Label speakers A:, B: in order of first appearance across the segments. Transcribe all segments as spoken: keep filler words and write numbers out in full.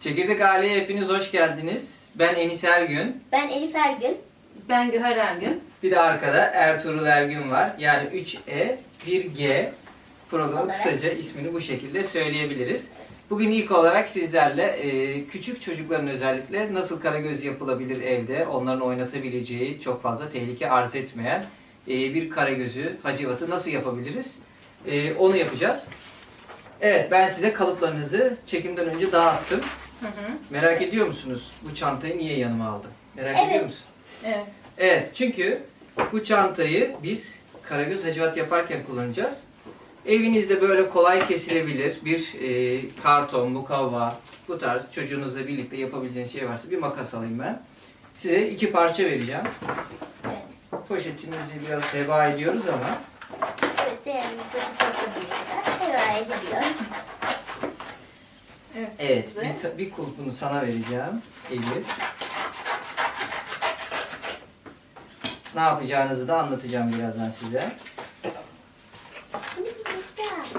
A: Çekirdek Aile'ye hepiniz hoş geldiniz. Ben Enis Ergün.
B: Ben Elif Ergün.
C: Ben Güher Ergün.
A: Bir de arkada Ertuğrul Ergün var. Yani üç E, bir G programı
B: Olarak.
A: kısaca ismini bu şekilde söyleyebiliriz. Bugün ilk olarak sizlerle e, küçük çocukların özellikle nasıl karagöz yapılabilir evde, onların oynatabileceği, çok fazla tehlike arz etmeyen e, bir karagözü, hacivatı nasıl yapabiliriz? E, onu yapacağız. Evet, ben size kalıplarınızı çekimden önce dağıttım.
C: Hı hı.
A: Merak ediyor musunuz bu çantayı niye yanıma aldım? Merak
B: Evet.
A: ediyor musun?
C: Evet.
A: Evet, çünkü bu çantayı biz karagöz hacivat yaparken kullanacağız. Evinizde böyle kolay kesilebilir bir e, karton, mukavva, bu tarz çocuğunuzla birlikte yapabileceğiniz şey varsa bir makas alayım ben. Size iki parça vereceğim.
B: Evet.
A: Poşetimizi biraz heba ediyoruz ama
B: Evet, değerli poşet hasadıyla devam ediliyor.
C: Evet.
A: evet,
C: biz de-
A: bir, ta- bir kulpunu sana vereceğim Elif. Ne yapacağınızı da anlatacağım birazdan size.
B: Güzel.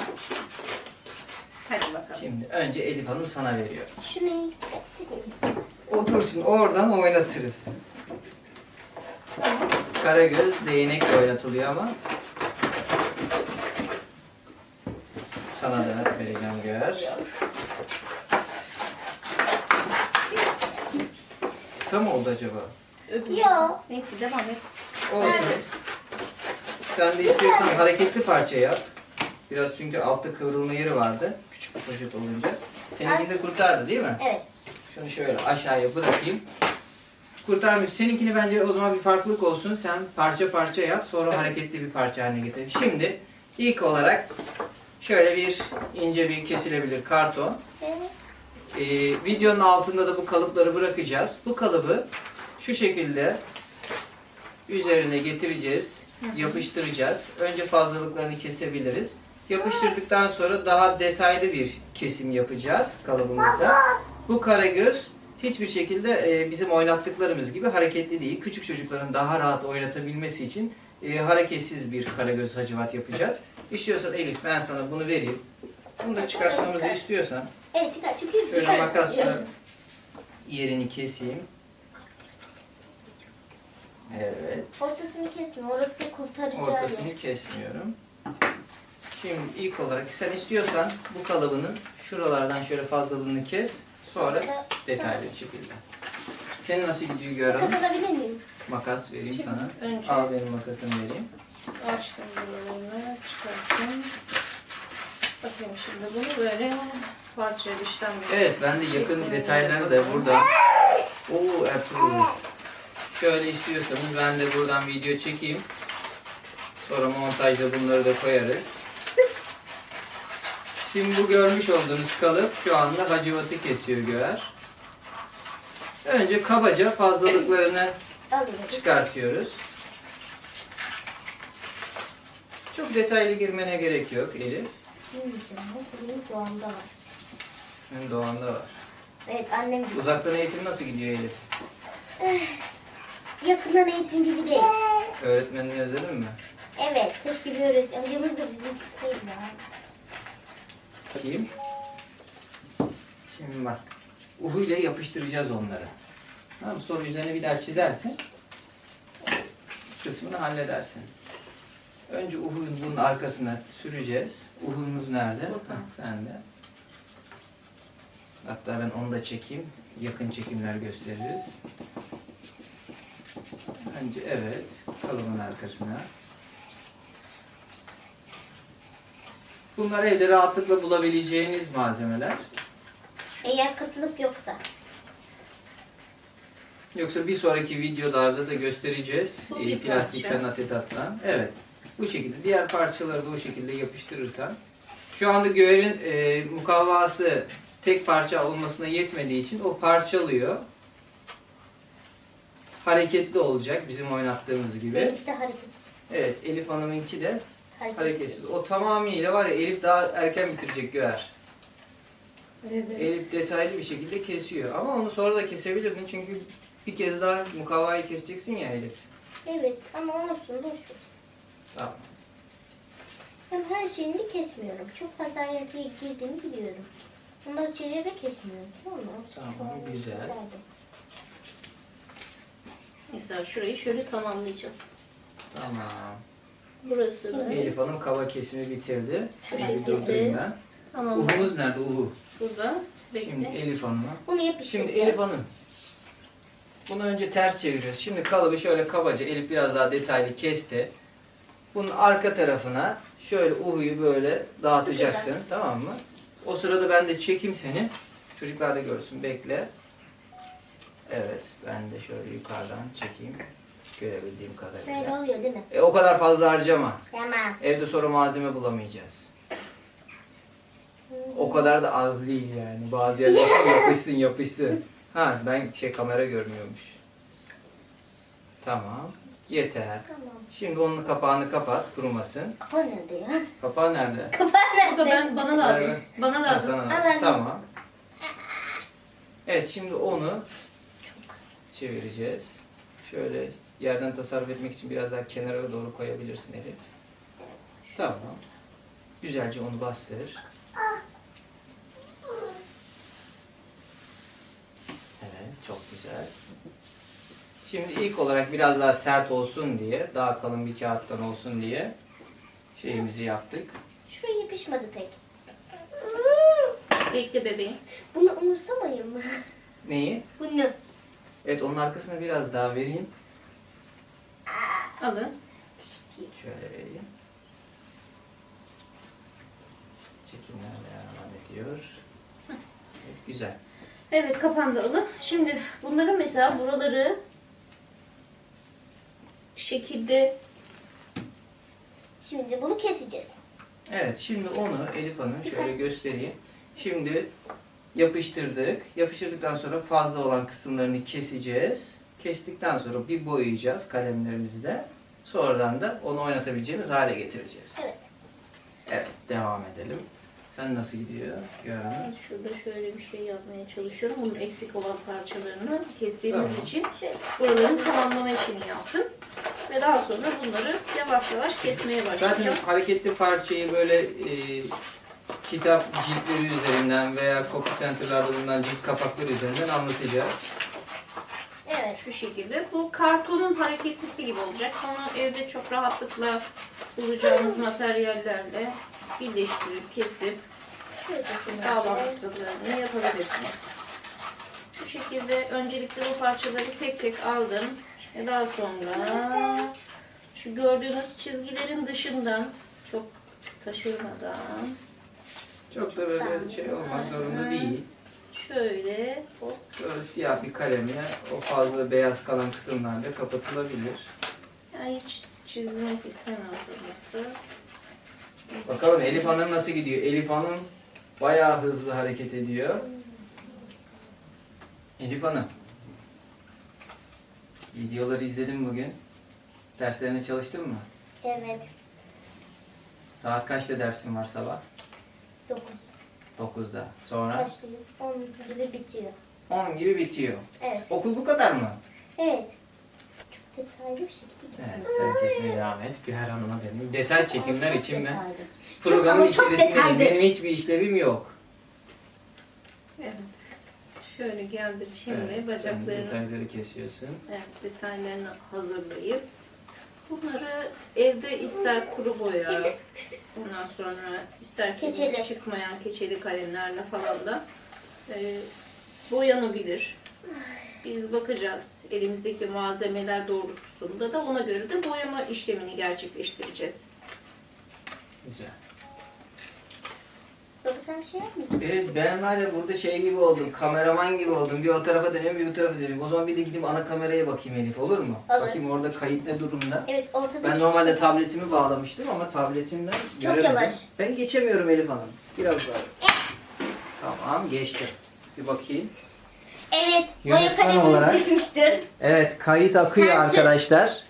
C: Hadi bakalım.
A: Şimdi önce Elif Hanım sana veriyor.
B: Şunu çıkayım.
A: Otursun, oradan oynatırız. Karagöz değnekle oynatılıyor ama sana da vereceğim Güher. Kısa mı oldu acaba?
C: Öbür-
B: Yo.
C: Neyse devam et.
A: Olsun.
B: Evet.
A: Sen de istiyorsan hareketli parça yap. Biraz çünkü altta kıvrılma yeri vardı. Küçük bir poşet olunca. Seninki de kurtardı değil mi?
B: Evet.
A: Şunu şöyle aşağıya bırakayım. Kurtarmış. Seninkini bence o zaman bir farklılık olsun. Sen parça parça yap. Sonra hareketli bir parça haline getir. Şimdi ilk olarak şöyle bir ince bir kesilebilir karton.
B: Evet.
A: Ee, videonun altında da bu kalıpları bırakacağız. Bu kalıbı şu şekilde üzerine getireceğiz. Yapıştıracağız. Önce fazlalıklarını kesebiliriz. Yapıştırdıktan sonra daha detaylı bir kesim yapacağız kalıbımızda. Bu karagöz hiçbir şekilde e, bizim oynattıklarımız gibi hareketli değil. Küçük çocukların daha rahat oynatabilmesi için e, hareketsiz bir karagöz hacivat yapacağız. İstiyorsan Elif ben sana bunu vereyim. Bunu da çıkartmamızı istiyorsan
B: Evet, çıkar. Çünkü
A: şöyle
B: çıkar.
A: makasla yerini keseyim. Evet.
B: Ortasını kesme. Orası kurtarıcı.
A: Ortasını kesmiyorum. Şimdi ilk olarak sen istiyorsan bu kalıbının şuralardan şöyle fazlalığını kes. Sonra detaylı bir şekilde. Senin nasıl gidiyor Güher Hanım?
B: Makas alabilir miyim?
A: Makas vereyim sana.
C: Önce
A: Al benim makasımı vereyim.
C: açtım buralarını çıkarttım. Bakayım şimdi bunu böyle parçaya dıştan bir
A: Evet, ben de yakın
C: kesimini
A: detayları da
C: yapalım.
A: burada. Oo Ertuğrul. Şöyle istiyorsanız ben de buradan video çekeyim. Sonra montajda bunları da koyarız. Şimdi bu görmüş olduğunuz kalıp şu anda hacivatı kesiyor Güher. Önce kabaca fazlalıklarını
B: Alayım.
A: çıkartıyoruz. Çok detaylı girmene gerek yok Elif.
B: Şimdi diyeceğim. Nasıl benim doğamda var.
A: Senin doğanda var.
B: Evet, annem gibi.
A: Uzaktan eğitim nasıl gidiyor Elif?
B: Yakından eğitim gibi değil.
A: Öğretmenini özledin mi?
B: Evet, keşke bir öğretmen. Hocamız da bizim çıksaydı ya.
A: Bakayım. Şimdi bak. Uhu ile yapıştıracağız onları. Tamam mı? Sonra üzerine bir daha çizersin. Kısmını halledersin. Önce uhun bunun arkasına süreceğiz. Uhumuz nerede? Hah, sen de. Hatta ben onu da çekeyim. Yakın çekimler gösteririz. Önce evet. Kalıbın arkasına. Bunlar evde rahatlıkla bulabileceğiniz malzemeler.
B: Eğer katılık yoksa.
A: Yoksa bir sonraki videolarda da göstereceğiz.
C: Bu
A: E,
C: bir
A: plastikten,
C: parça.
A: asetattan. Evet. Bu şekilde. Diğer parçaları da o şekilde yapıştırırsan. Şu anda Güher'in e, mukavvası tek parça olmasına yetmediği için o parçalıyor. Hareketli olacak bizim oynattığımız gibi.
B: Benimki de hareketsiz.
A: Evet, Elif Hanım'ınki de
B: Hareketsiz.
A: hareketsiz. O tamamıyla var ya, Elif daha erken bitirecek Güher.
C: Evet.
A: Elif detaylı bir şekilde kesiyor. Ama onu sonra da kesebilirdin çünkü bir kez daha mukavvayı keseceksin ya Elif.
B: Evet, ama olsun, boş ver.
A: Tamam.
B: Hem her şeyini kesmiyorum. Çok fazla ayrıntıya girdiğimi biliyorum. Bunları çevirerek kesmiyorum. Tamam mı?
A: Tamam,
B: Şöyle
A: güzel.
B: güzeldi.
C: Mesela şurayı şöyle tamamlayacağız.
A: Tamam.
C: Burası da
A: Elif Hanım kaba kesimi bitirdi.
C: Şu
A: Şöyle bir
C: şekilde.
A: durdurayım ben.
C: tamam.
A: Uhumuz nerede uhu?
C: Burada.
A: Şimdi
C: Bekle.
A: Elif Hanım'a.
B: Bunu
A: Şimdi
B: yapıştıracağız.
A: Elif Hanım. Bunu önce ters çeviriyoruz. Şimdi kalıbı şöyle kabaca Elif biraz daha detaylı kesti. Bunun arka tarafına şöyle uhuyu böyle dağıtacaksın.
B: Sıkacağım.
A: Tamam mı? O sırada ben de çekeyim seni. Çocuklar da görsün. Bekle. Evet. Ben de şöyle yukarıdan çekeyim. Görebildiğim
B: Böyle
A: kadarıyla.
B: oluyor değil mi?
A: E, o kadar fazla harcama.
B: Tamam.
A: Evde sonra malzeme bulamayacağız. O kadar da az değil yani. Bazı yerler yapışsın yapışsın. Ha ben şey kamera görmüyormuş. Tamam. Yeter.
B: Tamam.
A: Şimdi onun kapağını kapat kurumasın.
B: Kapağı nerede ya?
A: Kapağı nerede?
B: Kapağı nerede?
C: Bu da ben, bana lazım.
A: Evet.
C: Bana
A: Ha,
C: lazım.
A: sana lazım.
B: Al anne.
A: Tamam. Evet şimdi onu çevireceğiz. Şöyle yerden tasarruf etmek için biraz daha kenara doğru koyabilirsin Elif. Tamam. Güzelce onu bastır. Evet, çok güzel. Şimdi ilk olarak biraz daha sert olsun diye, daha kalın bir kağıttan olsun diye şeyimizi yaptık.
B: Şuraya yapışmadı pek.
C: Bekle bebeğim.
B: Bunu umursamayın mı?
A: Neyi?
B: Bunu.
A: Evet, onun arkasına biraz daha vereyim.
C: Alın.
A: Şöyle vereyim. Çekimler devam ediyor. Evet, güzel.
C: Evet kapandı alın. Şimdi bunların mesela buraları şekilde
B: Şimdi bunu keseceğiz.
A: Evet, şimdi onu Elif Hanım şöyle göstereyim. Şimdi yapıştırdık. Yapıştırdıktan sonra fazla olan kısımlarını keseceğiz. Kestikten sonra bir boyayacağız kalemlerimizle. Sonradan da onu oynatabileceğimiz hale getireceğiz.
B: Evet.
A: Evet, devam edelim. Sen nasıl gidiyor? Görün.
C: Evet, şurada şöyle bir şey yapmaya çalışıyorum. Bunun eksik olan parçalarını kestiğimiz
A: Tamam.
C: için
B: Şöyle.
C: buraların tamamlama işini yaptım. Ve daha sonra bunları yavaş yavaş kesmeye
A: Zaten
C: başlayacağım.
A: hareketli parçayı böyle e, kitap ciltleri üzerinden veya copy center'larda bulunan cilt kapakları üzerinden anlatacağız.
B: Evet.
C: Şu şekilde. Bu kartonun hareketlisi gibi olacak. Onu evde çok rahatlıkla bulacağınız materyallerle birleştirip, kesip
B: Şurasını
C: bağlantısını yapabilirsiniz. Bu şekilde öncelikle bu parçaları tek tek aldım. Ve daha sonra şu gördüğünüz çizgilerin dışından çok taşırmadan
A: Çok da böyle şey olmak zorunda değil.
C: şöyle hop,
A: Böyle siyah bir kalemle o fazla beyaz kalan kısımlar da kapatılabilir.
C: yani hiç çizmek istemiyorsanız da
A: Bakalım Elif Hanım nasıl gidiyor? Elif Hanım bayağı hızlı hareket ediyor. Elif Hanım. Videoları izledin bugün. Derslerine çalıştın mı?
B: Evet.
A: Saat kaçta dersin var sabah?
B: Dokuz.
A: dokuzda. Sonra
B: Başlıyor. On gibi bitiyor.
A: on gibi bitiyor.
B: Evet.
A: Okul bu kadar mı?
B: Evet. Çok detaylı bir şekilde
A: Evet,
B: kesin.
A: sen kesmeye devam et. Güher Hanım'a döneyim. Detay çekimler
B: Çok
A: için ben
B: detaylı.
A: programın
B: ama çok
A: içerisindeyim.
B: detaylı.
A: Benim hiçbir işlevim yok.
C: evet. Şöyle geldim şimdi
A: Evet, sen
C: bacaklarını,
A: detayları kesiyorsun.
C: evet, detaylarını hazırlayıp bunları evde ister kuru boya, ondan sonra isterseniz
B: Keçeli.
C: çıkmayan keçeli kalemlerle falan da e, boyanabilir. Biz bakacağız elimizdeki malzemeler doğrultusunda da ona göre de boyama işlemini gerçekleştireceğiz.
A: Güzel.
B: Baba sen bir şey yapmayacaksın.
A: Evet, ben var ya burada şey gibi oldum, kameraman gibi oldum. Bir o tarafa dönüyorum, bir bu tarafa dönüyorum. O zaman bir de gidip ana kameraya bakayım Elif, olur mu?
B: Olur.
A: Bakayım orada kayıt ne durumda.
B: Evet ortada
A: Ben
B: bir
A: normalde
B: şey-
A: tabletimi bağlamıştım ama tabletimden
B: Çok
A: göremedim.
B: yavaş.
A: Ben geçemiyorum Elif Hanım. Biraz daha. Tamam, geçtim. Bir bakayım.
B: Evet. Boya
A: Yönetmen
B: kalemimiz
A: olarak-
B: düşmüştür.
A: Evet, kayıt akıyor
B: Sensin.
A: arkadaşlar.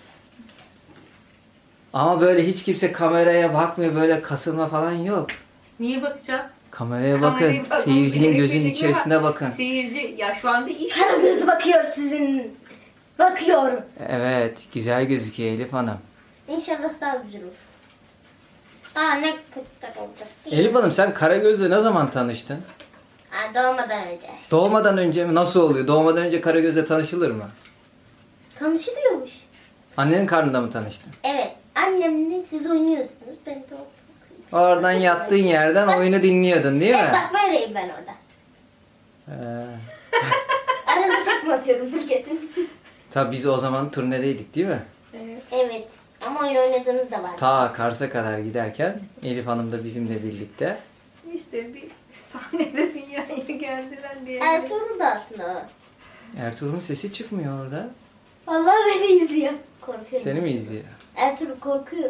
A: Ama böyle hiç kimse kameraya bakmıyor, böyle kasılma falan yok.
C: Niye bakacağız?
A: Kameraya
C: Kameraya
A: bakın,
C: bakmamız
A: seyircinin gözünün
C: gerekecek
A: içerisine
C: ama
A: bakın.
C: Seyirci, ya şu anda iş
B: Kara gözü bakıyor sizin. Bakıyor.
A: Evet, güzel gözüküyor Elif Hanım.
B: İnşallah daha güzel olur. Aa ne kötü oldu.
A: Elif Hanım sen Karagöz'le ne zaman tanıştın?
B: Ha, doğmadan önce.
A: Doğmadan önce mi? Nasıl oluyor? Doğmadan önce Karagöz'le tanışılır mı?
B: Tanışılıyormuş.
A: Annenin karnında mı tanıştın?
B: Evet. Annemle siz oynuyordunuz. Ben de o-
A: Oradan yattığın yerden oyunu dinliyordun değil
B: Evet,
A: mi?
B: bak böyleyim ben orada.
A: Ee,
B: Arada tekme atıyorum dur kesin.
A: tabii biz o zaman turnedeydik değil mi?
C: Evet.
B: Evet. Ama oyun oynadığınız da var.
A: Ta Kars'a kadar giderken Elif Hanım da bizimle birlikte.
C: İşte bir sahnede dünyaya geldiler diye.
B: Ertuğrul da aslında.
A: Ertuğrul'un sesi çıkmıyor orada.
B: Vallahi beni izliyor. Korkuyorum.
A: Seni mi izliyor?
B: Ertuğrul korkuyor.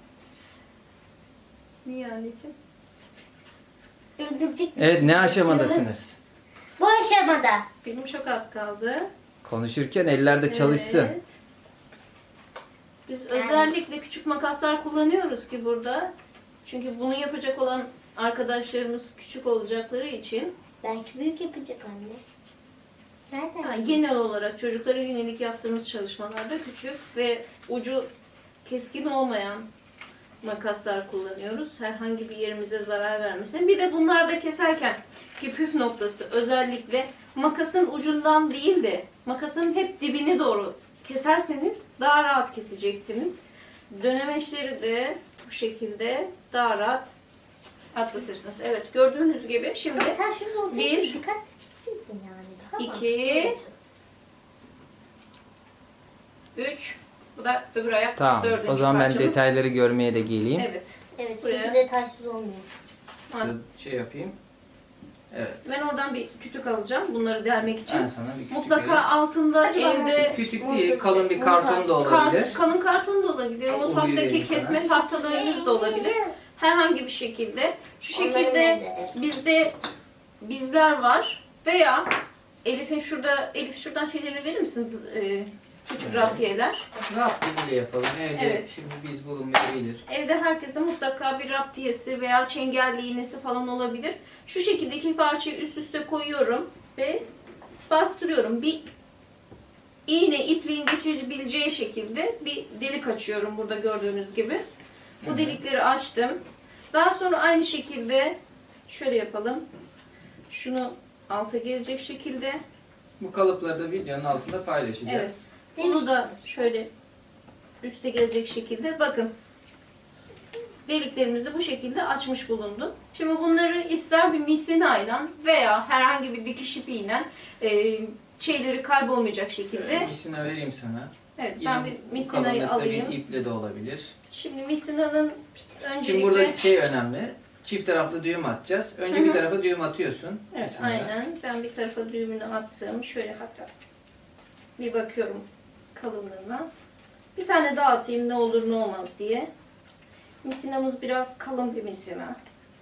C: Niye anneciğim?
B: Öldürecek.
A: Evet, ne aşamadasınız?
B: Bu aşamada.
C: Benim çok az kaldı.
A: Konuşurken ellerde çalışsın.
C: Evet. Biz özellikle küçük makaslar kullanıyoruz ki burada. Çünkü bunu yapacak olan arkadaşlarımız küçük olacakları için
B: Belki büyük yapacak anne. Nereden?
C: yani genel olarak çocuklara yönelik yaptığımız çalışmalarda küçük ve ucu keskin olmayan makaslar kullanıyoruz. Herhangi bir yerimize zarar vermesin. Bir de bunlarda keserken ki püf noktası özellikle makasın ucundan değil de makasın hep dibine doğru keserseniz daha rahat keseceksiniz. Dönemeçleri de bu şekilde daha rahat atlatırsınız. Evet, gördüğünüz gibi şimdi
B: Ama sen şurada olsaydın
C: bir,
B: dikkat çekseydin yani. Daha
C: iki,
B: mantıklı olurdu.
C: üç, bu da öbür ayak
A: Tamam.
C: dördüncü
A: O zaman ben
C: parçamız.
A: detayları görmeye de geleyim.
C: Evet.
B: Evet
C: Buraya.
B: çünkü detaysız olmuyor.
A: Şey yapayım. Evet.
C: Ben oradan bir kütük alacağım bunları delmek için.
A: Ben sana bir kütük
C: Mutlaka
A: vereyim.
C: altında
B: Acaba
C: evde
B: montaj-
A: Kütük
B: montaj-
A: değil, kalın bir
B: montaj-
A: karton da olabilir.
C: kar- kalın karton da olabilir.
A: Uğur
C: Mutfaktaki
A: vereyim
C: kesme
A: sana.
C: tahtalarınız da olabilir. Herhangi bir şekilde. Şu
B: Onların
C: şekilde
B: benzeri.
C: bizde bizler var. Veya Elif'in şurada, Elif şuradan şeyleri verir misiniz? Ee, küçük
A: Evet.
C: raptiyeler.
A: Rahat diliyle yapalım. Evde
C: Evet.
A: şimdi biz bulunmayabilir.
C: Evde herkesin mutlaka bir raptiyesi veya çengelli iğnesi falan olabilir. Şu şekilde iki parçayı üst üste koyuyorum ve bastırıyorum. Bir iğne ipliğin geçirebileceği şekilde bir delik açıyorum burada gördüğünüz gibi. Bu
A: Hı hı.
C: delikleri açtım. Daha sonra aynı şekilde şöyle yapalım. Şunu alta gelecek şekilde.
A: Bu kalıpları da videonun altında paylaşacağız.
C: Evet. Bunu da şöyle üste gelecek şekilde bakın. Deliklerimizi bu şekilde açmış bulundum. Şimdi bunları ister bir misinayla veya herhangi bir dikiş ipiyle e, şeyleri kaybolmayacak şekilde.
A: Misina vereyim sana.
C: Evet,
A: Yine
C: ben bir
A: bu
C: misinayı
A: kalınlıkta
C: alayım.
A: bir iple de olabilir.
C: Şimdi misinanın öncelikle...
A: Şimdi burada şey önemli. Çift taraflı düğüm atacağız. Önce
C: Hı hı.
A: bir tarafa düğüm atıyorsun.
C: Evet,
A: misinada.
C: aynen. Ben bir tarafa düğümünü attım. Şöyle hatta bir bakıyorum kalınlığına. Bir tane daha atayım ne olur ne olmaz diye. Misinamız biraz kalın bir misina.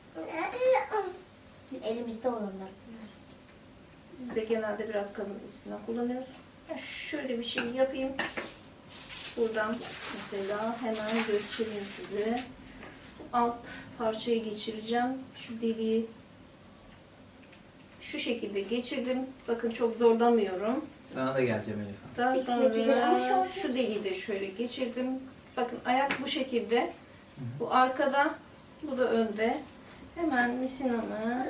B: Elimizde olanlar bunlar.
C: Biz de genelde biraz kalın bir misina kullanıyoruz. Ben şöyle bir şey yapayım. Buradan mesela hemen göstereyim size. Alt parçayı geçireceğim. Şu deliği şu şekilde geçirdim. Bakın çok zorlamıyorum.
A: Sana da geleceğim Elif Hanım.
C: Daha
B: Bitmek üzere ama
C: sonra
B: şu-
C: şu deliği de şöyle geçirdim. Bakın ayak bu şekilde. Bu arkada, bu da önde. Hemen misinamı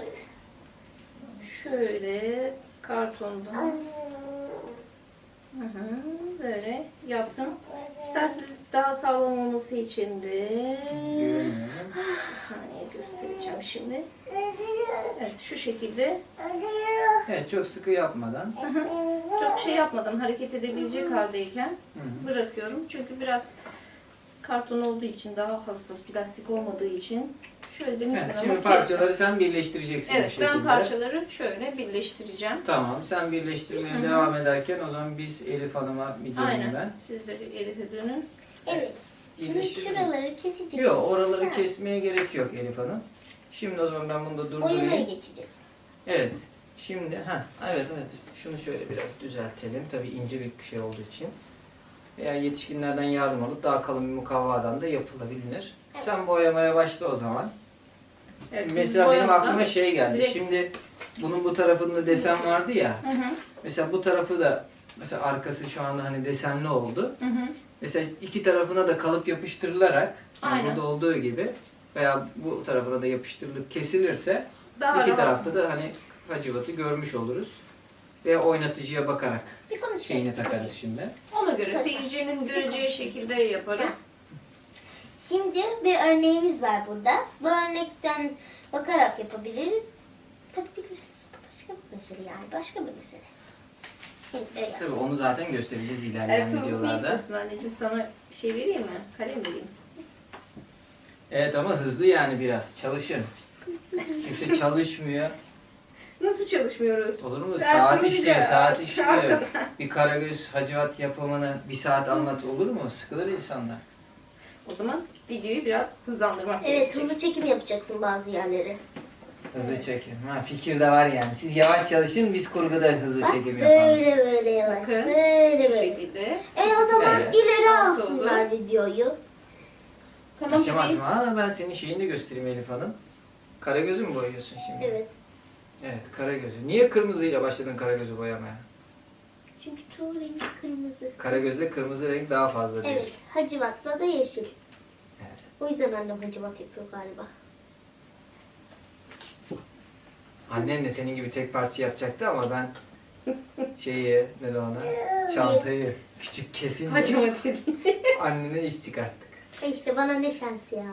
C: şöyle kartondan hı hı, böyle yaptım. İsterseniz daha sağlam olması için de
A: Güveniyorum.
C: bir saniye göstereceğim şimdi. Evet şu şekilde
A: Evet, çok sıkı yapmadan.
C: hı hı, çok şey yapmadan hareket edebilecek haldeyken
A: Hı hı.
C: bırakıyorum. Çünkü biraz karton olduğu için daha hassas, plastik olmadığı için şöyle de
A: Evet,
C: misinamı
A: şimdi
C: kestim.
A: parçaları sen birleştireceksin bu
C: Evet
A: şekilde.
C: ben parçaları şöyle birleştireceğim.
A: Tamam, sen birleştirmeye
C: Hı hı.
A: devam ederken o zaman biz Elif Hanım'a bir döneyim
C: Aynen.
A: ben.
C: Siz de bir Elif'e dönün.
B: Evet. Şimdi
A: Birleştirelim.
B: şuraları keseceğiz.
A: Yok, oraları
B: Ha.
A: kesmeye gerek yok Elif Hanım. Şimdi o zaman ben bunu da
B: Oyuna
A: durdurayım.
B: geçeceğiz.
A: Evet. Şimdi ha evet evet. Şunu şöyle biraz düzeltelim. Tabii ince bir şey olduğu için. Veya yetişkinlerden yardım alıp daha kalın bir mukavvadan da yapılabilir.
B: Evet.
A: Sen boyamaya başla o zaman.
C: Evet,
A: Şimdi
C: biz
A: mesela benim
C: boyamadan-
A: aklıma şey geldi.
C: direkt-
A: Şimdi bunun bu tarafında desen vardı ya.
C: Hı hı,
A: Mesela bu tarafı da mesela arkası şu anda hani desenli oldu.
C: hı hı.
A: Mesela iki tarafına da kalıp yapıştırılarak yani
C: Aynen.
A: burada olduğu gibi veya bu tarafına da yapıştırılıp kesilirse
C: Daha
A: iki
C: rahat.
A: tarafta da hani hacivatı görmüş oluruz. Ve oynatıcıya bakarak
B: Bir konuşalım.
A: şeyini takarız şimdi.
C: Ona göre seyircinin göreceği şekilde yaparız.
B: Şimdi bir örneğimiz var burada. Bu örnekten bakarak yapabiliriz. Tabii bilirsiniz bu başka bir mesele yani. Başka bir mesele. Şimdi böyle yap.
A: Tabii onu zaten göstereceğiz ilerleyen
C: Ertuğrul ne
A: videolarda.
C: istiyorsun anneciğim? Sana bir şey vereyim mi? Kalem vereyim.
A: Evet ama hızlı yani biraz. Çalışın. Kimse çalışmıyor.
C: Nasıl çalışmıyoruz?
A: Olur mu?
C: Ertuğrul
A: Saat
C: bir de-
A: işliyor, saat işliyor.
C: Arkada.
A: Bir Karagöz hacivat yapımını bir saat anlat olur mu? Sıkılır insanlar.
C: O zaman videoyu biraz hızlandırmak
B: Evet,
C: gerekecek.
B: hızlı çekim yapacaksın bazı yerleri.
A: Hızlı çekim. Ha, fikir de var yani. Siz yavaş çalışın, biz kurguda hızlı
B: Bak,
A: çekim yapalım.
B: böyle böyle yavaş.
C: Bakın,
B: Böyle
C: Şu
B: böyle.
C: şekilde.
B: E o zaman
A: Evet.
B: ileri
C: Nasıl
B: alsınlar videoyu.
C: Tamam
A: Aşama
C: bebeğim.
A: aşama. Ha, ben senin şeyini de göstereyim Elif Hanım. Karagöz'ü mü boyuyorsun şimdi?
B: Evet.
A: Evet, Karagöz'ü. Niye kırmızıyla başladın Karagöz'ü boyamaya?
B: Çünkü çoğu rengi kırmızı.
A: Karagöz'de kırmızı renk daha fazla diyorsun.
B: Evet. Hacivat'la da yeşil.
A: Evet.
B: O yüzden annem hacivat yapıyor galiba.
A: Annen de senin gibi tek parça yapacaktı ama ben şeyi, ne de ona, çantayı küçük kesince
C: Hacivat dedi.
A: annene iş çıkarttık.
B: E işte bana ne şans ya.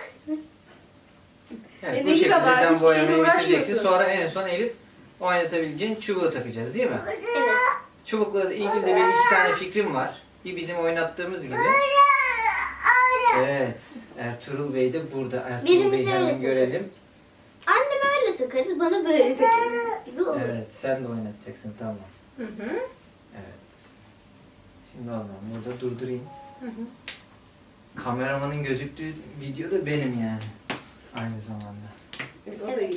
A: Evet,
C: E
A: bu
C: ne
A: şekilde
C: güzel,
A: sen
C: hiçbir
A: boyamayı
C: şeyle
A: bitireceksin.
C: uğraşmıyorsun.
A: Sonra en son Elif oynatabileceğin çubuğu takacağız değil mi?
B: Evet.
A: Çubukla ilgili de benim iki tane fikrim var. Bir bizim oynattığımız gibi. Evet. Ertuğrul Bey de burada. Ertuğrul
B: Birimizi
A: Bey'i
B: öyle
A: hemen
B: takarız.
A: görelim.
B: Anneme öyle takarız, bana böyle takarız gibi olur.
A: Evet. Sen de oynatacaksın. Tamam.
C: Hı hı.
A: Evet. Şimdi o zaman burada durdurayım.
C: Hı hı.
A: Kameramanın gözüktüğü video da benim yani. Aynı zamanda.
C: Evet.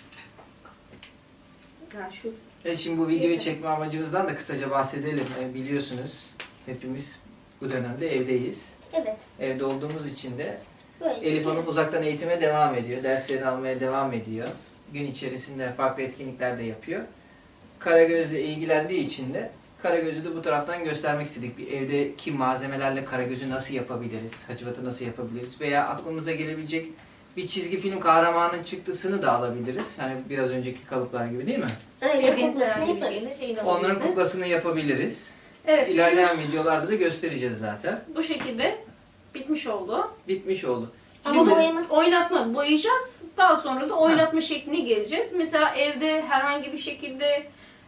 C: Ya şu
A: E şimdi bu videoyu çekme amacımızdan da kısaca bahsedelim. E, biliyorsunuz hepimiz bu dönemde evdeyiz.
B: Evet.
A: Evde olduğumuz için de
B: Böyle
A: Elif Hanım
B: takarız.
A: uzaktan eğitime devam ediyor. Derslerini almaya devam ediyor. Gün içerisinde farklı etkinlikler de yapıyor. Karagöz'le ilgilendiği için de Karagöz'ü de bu taraftan göstermek istedik. Bir evdeki malzemelerle Karagöz'ü nasıl yapabiliriz? Hacivat'ı nasıl yapabiliriz? Veya aklımıza gelebilecek bir çizgi film kahramanın çıktısını da alabiliriz. Hani biraz önceki kalıplar gibi değil mi?
B: Öyle
C: sevdiğiniz
B: kuklasını
C: herhangi bir
B: yaparız.
C: şeyle şeyle
A: Onların
C: alabilirsiniz.
A: kuklasını yapabiliriz.
C: Evet, şimdi
A: İlerleyen videolarda da göstereceğiz zaten.
C: bu şekilde bitmiş oldu.
A: Bitmiş oldu.
B: Ama
A: Şimdi
B: boyaması-
C: Oynatma boyayacağız. Daha sonra da oynatma şekline geleceğiz. Mesela evde herhangi bir şekilde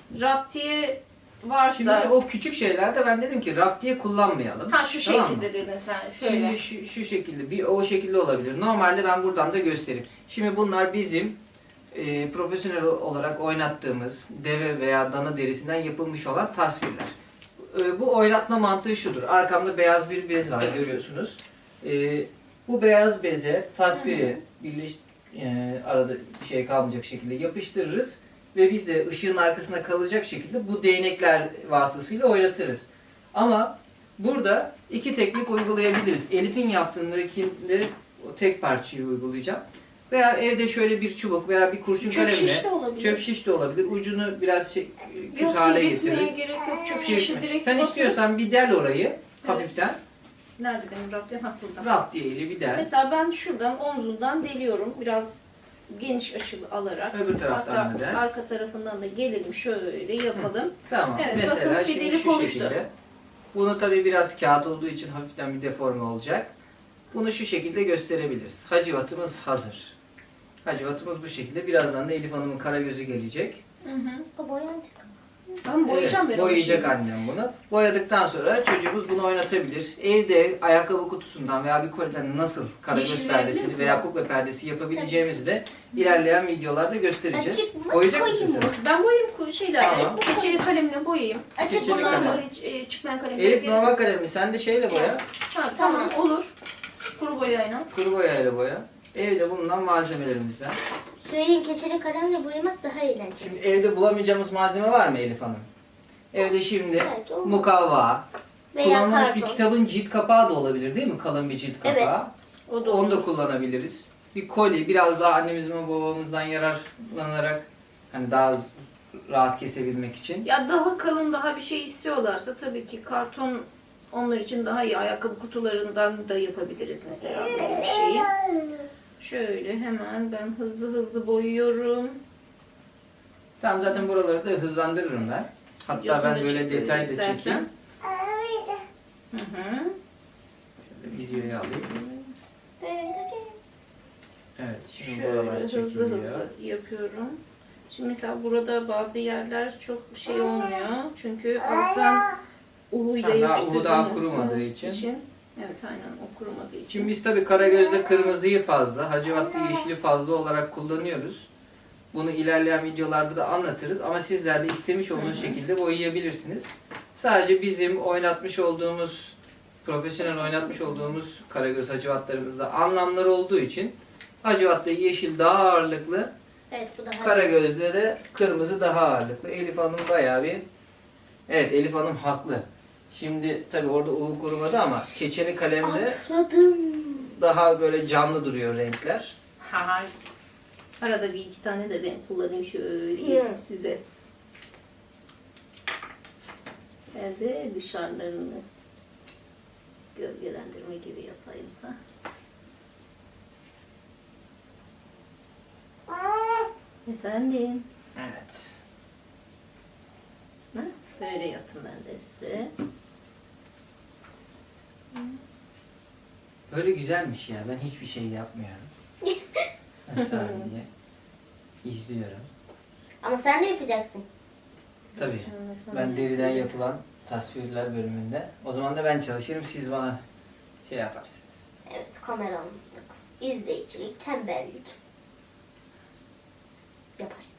C: raptiye varsa...
A: Şimdi o küçük şeylerde ben dedim ki rap diye kullanmayalım.
C: Ha şu
A: Tamam mı?
C: şekilde dedin sen. Şöyle.
A: Şimdi şu, şu şekilde bir o şekilde olabilir. Normalde ben buradan da göstereyim. Şimdi bunlar bizim e, profesyonel olarak oynattığımız deve veya dana derisinden yapılmış olan tasvirler. E, bu oynatma mantığı şudur. Arkamda beyaz bir bez var görüyorsunuz. E, bu beyaz beze tasviri birleş, e, arada bir şey kalmayacak şekilde yapıştırırız. Ve biz de ışığın arkasında kalacak şekilde bu değnekler vasıtasıyla oynatırız. Ama burada iki teknik uygulayabiliriz. Elif'in yaptığındakinde o tek parçayı uygulayacağım. Veya evde şöyle bir çubuk veya bir kurşun
C: Çöp
A: kalemle,
C: şiş de olabilir.
A: çöp şiş de olabilir. Ucunu biraz şey, kötü
C: Yok,
A: hale
C: sivriltmeye
A: getiririz.
C: gerek yok. Çöp
A: Şey
C: şişi
A: etme.
C: direkt
A: Sen
C: batır.
A: istiyorsan bir del orayı hafiften.
C: Nerede benim raptiye? Ha burada.
A: Rap diye eli bir del.
C: Mesela ben şuradan omzundan deliyorum. Biraz geniş açılı alarak.
A: Öbür taraftan
C: Hatta
A: da del.
C: arka tarafından da gelelim şöyle yapalım.
A: Tamam.
C: Evet,
A: Mesela
C: bakın bir
A: şimdi
C: delik
A: şu
C: oluştu.
A: şekilde. Bunu tabii biraz kağıt olduğu için hafiften bir deforme olacak. Bunu şu şekilde gösterebiliriz. Hacivatımız hazır. Hacivatımız bu şekilde. Birazdan da Elif Hanım'ın karagözü gelecek.
C: Hı hı.
B: O boyanacak.
C: Ben boyayacağım
A: Evet,
C: ben onu
A: boyayacak
C: şimdi.
A: annem bunu. Boyadıktan sonra çocuğumuz bunu oynatabilir. Evde ayakkabı kutusundan veya bir koliden nasıl karagöz
C: Yeşil
A: perdesi
C: verebilir
A: veya
C: misin?
A: kukla perdesi yapabileceğimizi de ilerleyen videolarda göstereceğiz.
B: Açık mı?
A: Boyayacak mısın
B: Koyayım
A: sen?
B: mı?
C: Ben boyayayım ku- şeyler.
A: Tamam.
C: Keçeli kalemle boyayayım.
B: Açık
A: Keçeli
B: bunlar
A: kalem.
B: mı?
C: Hiç e, çıkmayan kalem.
A: Elif normal kalemli. Sen de şeyle boya.
C: Ha, tamam olur. Kuru boyayla.
A: Kuru boyayla boya. Evde bulunan malzemelerimizden.
B: Söyleyin, keçeli kalemle boyamak daha eğlenceli.
A: Şimdi evde bulamayacağımız malzeme var mı Elif Hanım? Evde şimdi
B: Belki olmaz.
A: mukavva,
B: Veya
A: kullanılmış bir
B: karton.
A: kitabın cilt kapağı da olabilir değil mi? Kalın bir cilt
B: Evet.
A: kapağı.
C: O da
A: Onu da
C: olur.
A: kullanabiliriz. Bir koli, biraz daha annemizin ve babamızdan yararlanarak hani daha rahat kesebilmek için.
C: Ya daha kalın daha bir şey istiyorlarsa tabii ki karton onlar için daha iyi. Ayakkabı kutularından da yapabiliriz mesela böyle bir şeyi. Şöyle hemen ben hızlı hızlı boyuyorum.
A: Tamam, zaten buraları da hızlandırırım ben. Hatta
C: Videosunu
A: ben
C: da
A: böyle
C: çekelim
A: detay da
C: istersen.
A: çekeyim.
C: Hı hı.
A: Şöyle videoyu alayım. Evet, şimdi
C: Şöyle
A: buralar
C: hızlı
A: çekiliyor.
C: hızlı yapıyorum. Şimdi mesela burada bazı yerler çok şey olmuyor. Çünkü alttan uhuyla
A: Ha, daha uhu
C: yapıştırdığımız
A: daha kurumadığı için.
C: Evet, aynen, o kurumadığı için.
A: Şimdi biz tabii Karagöz'de kırmızıyı fazla, Hacivat'ta yeşili fazla olarak kullanıyoruz. Bunu ilerleyen videolarda da anlatırız ama sizler de istemiş olduğunuz şekilde boyayabilirsiniz. Sadece bizim oynatmış olduğumuz, profesyonel oynatmış olduğumuz Karagöz Hacivatlarımızda anlamlar olduğu için Hacivat'ta yeşil daha ağırlıklı,
B: Evet, bu daha
A: Karagöz'de de kırmızı daha ağırlıklı. Elif Hanım bayağı bir... Evet, Elif Hanım haklı. Şimdi tabii orada uğur kurumadı ama keçeli kalemde
B: atladım.
A: daha böyle canlı duruyor renkler.
C: Ha, arada bir iki tane de ben kullanayım şöyle
B: Hı.
C: size. Ben de dışarılarını gölgelendirme gibi yapayım. Ha. Efendim.
A: Evet.
C: Ha? Böyle yatın ben de size.
A: Böyle güzelmiş ya. Ben hiçbir şey yapmıyorum. Ben sadece izliyorum.
B: Ama sen ne yapacaksın?
A: Tabii.
C: Sonra sonra
A: Ben deriden
C: yapacağız.
A: yapılan tasvirler bölümünde. O zaman da ben çalışırım. Siz bana şey yaparsınız.
B: Evet, kameranlık, izleyicilik, tembellik. Yaparsın.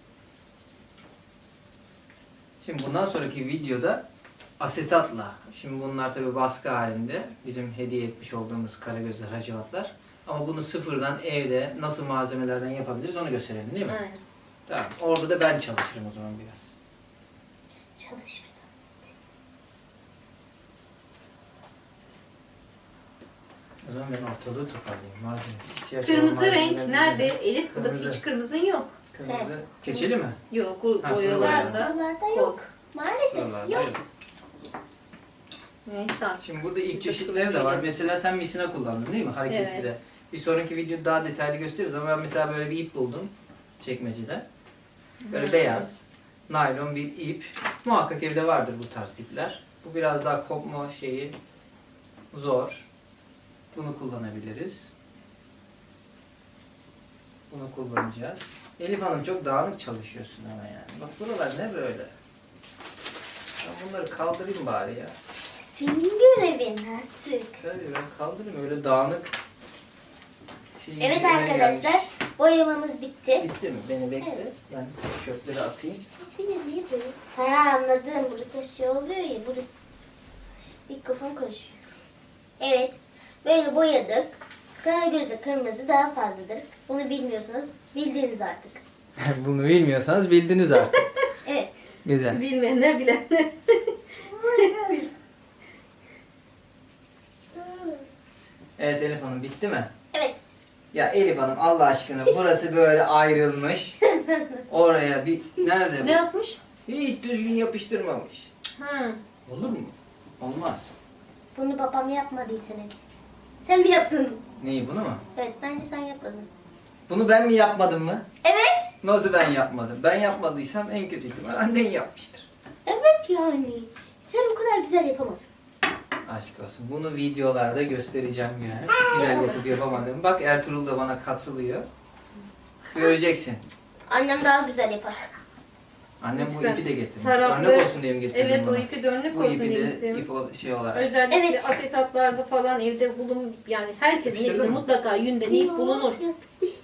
A: Şimdi bundan sonraki videoda asetatla. Şimdi bunlar tabii baskı halinde. Bizim hediye etmiş olduğumuz Karagözler, Hacivatlar. Ama bunu sıfırdan evde nasıl malzemelerden yapabiliriz onu gösterelim, değil mi?
C: Aynen.
A: Tamam. Orada da ben çalışırım o zaman biraz.
B: Çalış bir zahmet.
A: O zaman ben ortalığı toparlayayım. Malzeme. ihtiyaç
C: Kırmızı
A: olan
C: renk
A: malzemelerimizi-
C: nerede? Elif, buradaki
A: Kırmızı.
C: hiç kırmızın yok.
A: Kırmızı. Keçeli mi?
C: Yok, bu
A: Ha,
C: boyalarında.
B: Buralarda yok. Maalesef
A: Buralarda
B: yok.
A: yok.
C: Neyse.
A: Şimdi burada ip
C: Biz de
A: çeşitleri de var.
C: kullanacağız.
A: Mesela sen misina kullandın değil mi? Hareketli de.
C: Evet.
A: Bir sonraki videoda daha detaylı gösteririz ama ben mesela böyle bir ip buldum çekmecede. Böyle
C: Hı.
A: beyaz, naylon bir ip. Muhakkak evde vardır bu tarz ipler. Bu biraz daha kopma şeyi zor. Bunu kullanabiliriz. Bunu kullanacağız. Elif Hanım çok dağınık çalışıyorsun ama yani. Bak buralar ne böyle? Ben bunları kaldırayım bari ya.
B: Senin görevin artık.
A: Tabii ben kaldırayım öyle dağınık. Şey,
B: Evet
A: öne
B: arkadaşlar,
A: gelmiş.
B: boyamamız bitti.
A: Bitti mi? Beni bekle.
B: Evet.
A: Ben çöpleri atayım.
B: Yine niye böyle? Ha, anladım. Burada şey oluyor ya, burada mikrofon karışıyor. Evet, böyle boyadık. Karagöz'e kırmızı daha fazladır. Bunu bilmiyorsanız bildiniz artık.
A: Bunu bilmiyorsanız bildiniz artık.
B: Evet.
A: Güzel.
C: Bilmeyenler bilenler.
A: Evet Elif Hanım bitti mi?
B: Evet.
A: Ya Elif Hanım Allah aşkına burası böyle ayrılmış. Oraya bir... Nerede
C: Ne
A: bu?
C: yapmış?
A: Hiç düzgün yapıştırmamış.
C: Ha.
A: Olur mu? Olmaz.
B: Bunu babam yapmadıysa ne dersin? Sen mi yaptın?
A: Neyi bunu mu?
B: Evet, bence sen yapmadın.
A: Bunu ben mi yapmadım mı?
B: Evet.
A: Nasıl ben yapmadım? Ben yapmadıysam en kötü ihtimal annen yapmıştır.
B: Evet yani. Sen o kadar güzel yapamazsın.
A: Aşk olsun. Bunu videolarda göstereceğim yani. Güzel yapıp yapamadım. Bak Ertuğrul da bana katılıyor. Göreceksin.
B: Annem daha güzel yapar.
A: Annem bu
C: Lütfen.
A: ipi de getirmiş.
C: Taraflı-
A: Örnek olsun diye mi getirdim
C: Evet,
A: bunu?
C: o ipi de örnek
A: Bu
C: olsun
A: ipi
C: diye
A: de
C: getirdim.
A: ip ol- şey olarak.
C: Özellikle
B: Evet.
C: asetatlarda falan evde bulun, yani herkesin
A: Yapıştırdın
C: evinde
A: mı?
C: mutlaka yünden ip bulunur.
B: Yok.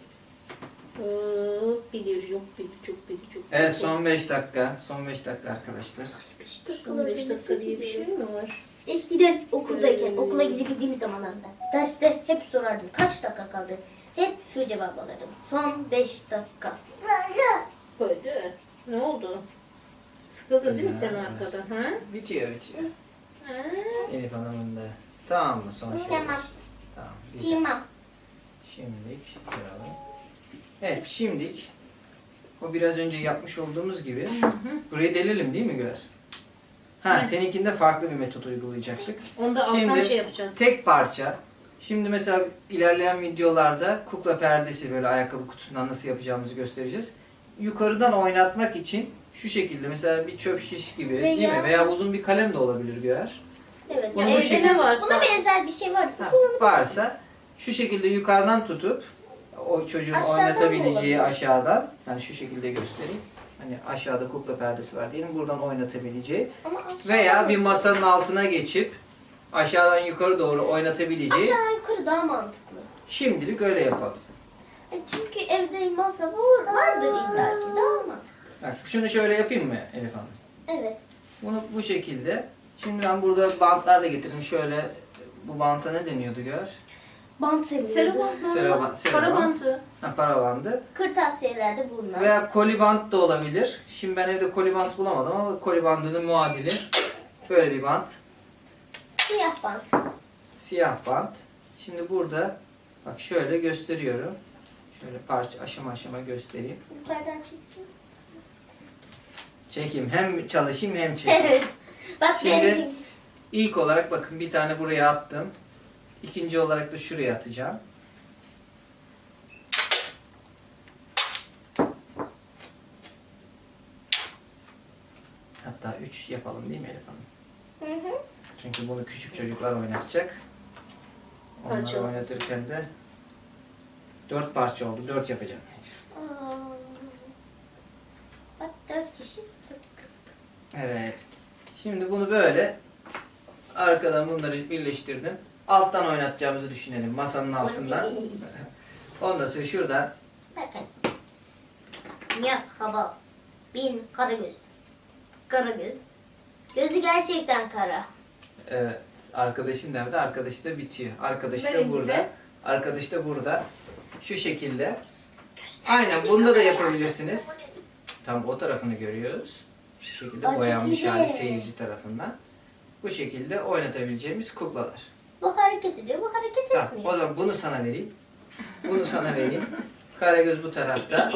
C: Hop, bir yok, bir çok, bir çok.
A: Evet son beş dakika. Son beş dakika arkadaşlar.
C: Son beş dakika diye bir şey mi var?
B: Eskiden okuldayken,
C: Hmm.
B: okula gidebildiğim zamanlarda derste hep sorardım. Kaç dakika kaldı? Hep şu cevap alırdım. Son beş dakika.
C: Böyle. Ne oldu? Sıkıldın değil mi sen
A: Ya,
C: arkada?
A: biraz-
C: Ha?
A: Bitiyor bitiyor.
C: Ha?
A: Elif Hanım'ın da. Tamam mı son şey?
B: Tamam.
A: Tamam. Güzel.
B: Tamam.
A: Şimdilik koyalım. Evet şimdilik o biraz önce yapmış olduğumuz gibi burayı delelim değil mi Güler? Ha
C: Evet.
A: seninkinde farklı bir metot uygulayacaktık.
C: Onda alttan
A: Şimdi
C: şey yapacağız.
A: tek parça. Şimdi mesela ilerleyen videolarda kukla perdesi böyle ayakkabı kutusundan nasıl yapacağımızı göstereceğiz. yukarıdan oynatmak için şu şekilde mesela bir çöp şiş gibi değil
B: Veya-
A: mi? Veya uzun bir kalem de olabilir Güher.
B: Evet.
A: Bunu
B: Yani
A: bu
C: Evde
A: şekilde
C: ne varsa.
B: buna benzer bir şey varsa
A: Ha,
B: kullanabilirsiniz.
A: varsa şu şekilde yukarıdan tutup o çocuğun
B: Aşağıdan mı
A: oynatabileceği
B: olabilir?
A: aşağıdan, yani şu şekilde göstereyim. Hani aşağıda kukla perdesi var diyelim, buradan oynatabileceği
B: Ama aşağıdan
A: veya bir
B: mı?
A: masanın altına geçip aşağıdan yukarı doğru oynatabileceği.
B: Aşağı yukarı daha mantıklı.
A: Şimdilik öyle yapalım.
B: E çünkü evde masa var, vardır illa ki daha mantıklı.
A: Bak şunu şöyle yapayım mı Elif Hanım?
B: Evet.
A: Bunu bu şekilde. Şimdi ben burada bantlar da getirdim. Şöyle bu banta ne deniyordu Gör?
B: Bant seviyordu.
C: Serobant.
A: Serobant, serobant.
C: Para bantı.
A: Ha, para bandı.
B: Kırtasiyelerde bulunan.
A: Veya kolibant da olabilir. Şimdi ben evde kolibant bulamadım ama kolibandının muadili böyle bir bant.
B: Siyah bant.
A: Siyah bant. Şimdi burada bak şöyle gösteriyorum. Şöyle parça aşama aşama göstereyim.
B: Yukarıdan çeksin.
A: Çekeyim. Hem çalışayım hem çekeyim.
B: Evet. Bak
A: Şimdi-
B: benimki.
A: İlk olarak bakın bir tane buraya attım. İkinci olarak da şuraya atacağım. Hatta üç yapalım değil mi Elif Hanım?
B: Hı hı.
A: Çünkü bunu küçük çocuklar oynatacak. Onları
C: Parça oldu.
A: oynatırken de dört parça oldu. Dört yapacağım.
B: Aa. Bak dört kişi. Dört.
A: Evet. Şimdi bunu böyle arkadan bunları birleştirdim. Alttan oynatacağımızı düşünelim. Masanın altından. Ondan sonra şuradan
B: Bakın. Merhaba. Bin Karagöz. Karagöz. Gözü gerçekten kara.
A: evet, arkadaşın nerede? Arkadaşı da bitiyor. Arkadaş da
C: Verin
A: burada.
C: bize.
A: Arkadaş da burada. Şu şekilde. Aynen bunda da yapabilirsiniz. Tam o tarafını görüyoruz. Şu şekilde
B: Aa, çok
A: boyanmış
B: güzel.
A: hali seyirci tarafından. Bu şekilde oynatabileceğimiz kuklalar.
B: Bu hareket ediyor, bu hareket
A: Tamam, o
B: etmiyor.
A: zaman bunu sana vereyim. Bunu sana vereyim. Karagöz bu tarafta.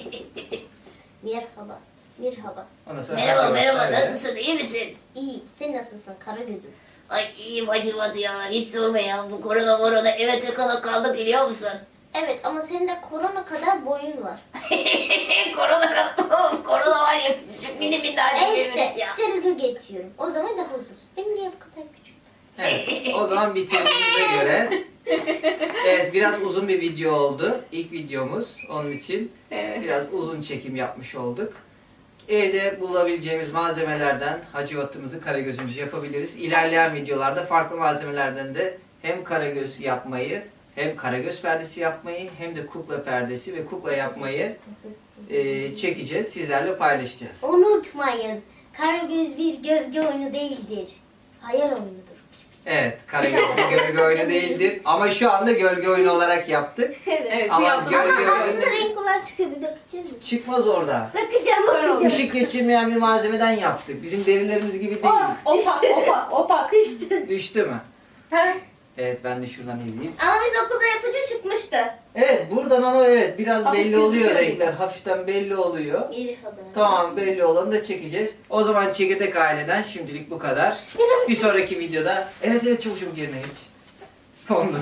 B: Merhaba. Merhaba.
A: Ondan sonra
D: Merhaba
A: Hacivat-
D: merhaba
A: evet.
D: nasılsın iyi misin?
B: İyi. Sen nasılsın Karagöz'üm?
D: Ay iyiyim Hacivat ya hiç sorma ya bu korona morona eve tıkanıp kaldık biliyor musun?
B: Evet ama senin de korona kadar boyun var.
D: korona kaldık korona var ya küçük mini minnacık
B: E
D: bir
B: işte
D: virüs ya.
B: dalga geçiyorum. O zaman daha uzun. Benim niye bu kadar küçük?
A: Evet, o zaman bitirdiğimize göre evet biraz uzun bir video oldu. İlk videomuz. Onun için
C: Evet.
A: biraz uzun çekim yapmış olduk. Evde bulabileceğimiz malzemelerden hacivatımızı, karagözümüzü yapabiliriz. İlerleyen videolarda farklı malzemelerden de hem karagöz yapmayı, hem karagöz perdesi yapmayı, hem de kukla perdesi ve kukla yapmayı e, çekeceğiz. Sizlerle paylaşacağız.
B: Unutmayın. Karagöz bir gölge oyunu değildir. Hayal oyunudur.
A: Evet, karagöz bir gölge oyunu değildir. Ama şu anda gölge oyunu olarak yaptık.
C: Evet, bu
A: Ama
C: yaptığımız
A: gölge
B: Ama aslında
A: oyunu
B: renk olarak çıkıyor. Bir bakacağız mı?
A: çıkmaz orada.
B: Bakacağım bakacağım.
A: Işık geçirmeyen bir malzemeden yaptık. Bizim derilerimiz gibi değil.
C: Opak, opak, opak.
B: Bakıştı.
A: Düştü mü?
C: He?
A: Evet, ben de şuradan izleyeyim.
B: Ama biz okulda yapınca çıkmıştı.
A: Evet, buradan ama evet biraz
C: Hafif
A: belli oluyor
C: gözüküyor
A: renkler.
C: burada.
A: Hafiften belli oluyor.
B: Merhaba.
A: Tamam, belli olanı da çekeceğiz. O zaman Çekirdek Aile'den şimdilik bu kadar. Bir sonraki videoda... Evet evet, çabuk çabuk yerine geç. Olmadı.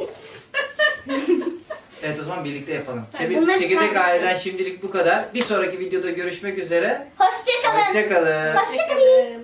A: Evet, o zaman birlikte yapalım. Çevir-
B: Bunları
A: Çekirdek
B: sen-
A: Aile'den şimdilik bu kadar. Bir sonraki videoda görüşmek üzere.
B: Hoşçakalın.
A: Hoşçakalın.
B: Hoşçakalın.